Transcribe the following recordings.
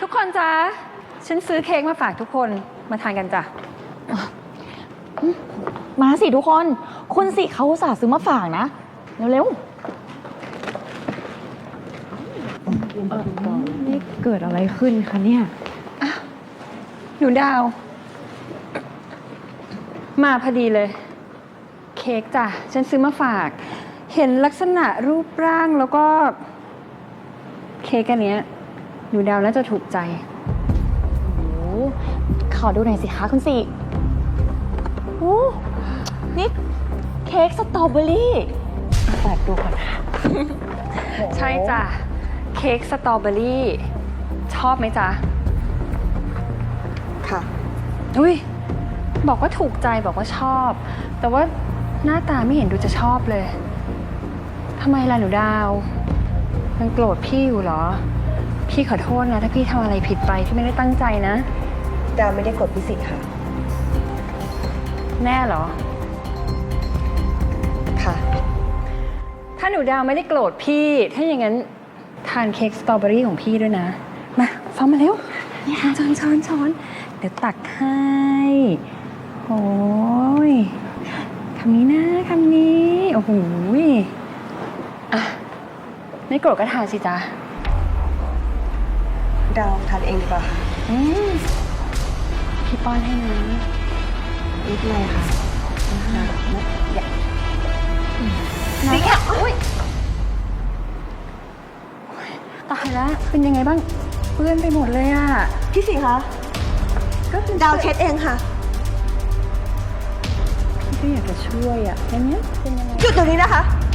กคนจ๊ะฉันซื้อเค้กมาฝากทุกคนมาทานกันจ้ะมาสิทุกคนคุณสิเขาอุตส่าห์ซื้อมาฝากนะเร็วๆนี่เกิดอะไรขึ้นคะเนี่ยหนูดาว มาพอดีเลย เค้กจ้ะฉันซื้อมาฝาก เห็นลักษณะรูปร่างแล้วก็ เค้กอันเนี้ยหนูดาวน่าจะถูกใจโอ้ขอดูหน่อยสิคะคุณสิโอ้นี่เค้กสตรอเบอรี่เปิดดูก่อนค่ะใช่จ้ะเค้กสตรอเบอรี่ชอบไหมจ๊ะค่ะอุ้ยบอกว่าถูกใจบอกว่าชอบ แต่ว่าหน้าตาไม่เห็นดูจะชอบเลยทำไมล่ะหนูดาวมันโกรธพี่อยู่เหรอ พี่ขอโทษนะถ้าพี่ทำอะไรผิดไปที่ไม่ได้ตั้งใจนะดาวไม่ได้กดพิสิทธิ์ค่ะแน่เหรอค่ะถ้าหนูดาวไม่ได้โกรธพี่ ถ้าอย่างนั้นทานเค้กสตรอเบอรี่ของพี่ด้วยนะ มาฟ้ามาเร็วช้อนเดี๋ยวตักให้โอ้ยคำนี้นะคำนี้โอ้โหอ่ะไม่โกรธก็ทานสิจ๊ะดาวทานเองดีกว่าค่ะพี่ป้อนให้นะนิดหน่อยค่ะสิค่ะอุ้ยตายแล้วเป็นยังไงบ้างเปื้อนไปหมดเลยอ่ะพี่สิคะก็คือดาวเช็ดเองค่ะพี่ก็อยากจะช่วยอ่ะแล้วเนี้ยเป็นยังไงหยุดตรงนี้นะคะ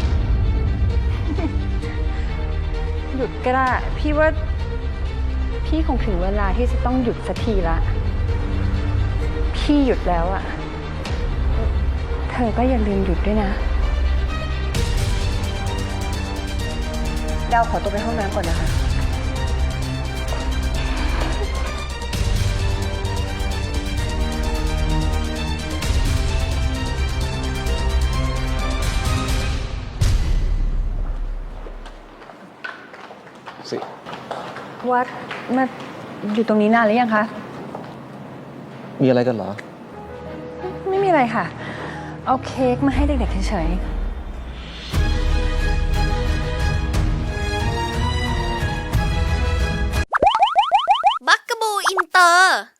หยุดก็ได้พี่ว่าพี่คงถึงเวลาที่จะต้องหยุดสักทีละพี่หยุดแล้วอ่ะเธอก็อย่าลืมหยุดด้วยนะดาวขอตัวไปห้องน้ำก่อนนะคะสิวัดมาอยู่ตรงนี้นานหรือยังคะมีอะไรกันเหรอไม่มีอะไรค่ะ เอาเค้กมาให้เด็กๆเฉยๆบักกะบูอินเตอร์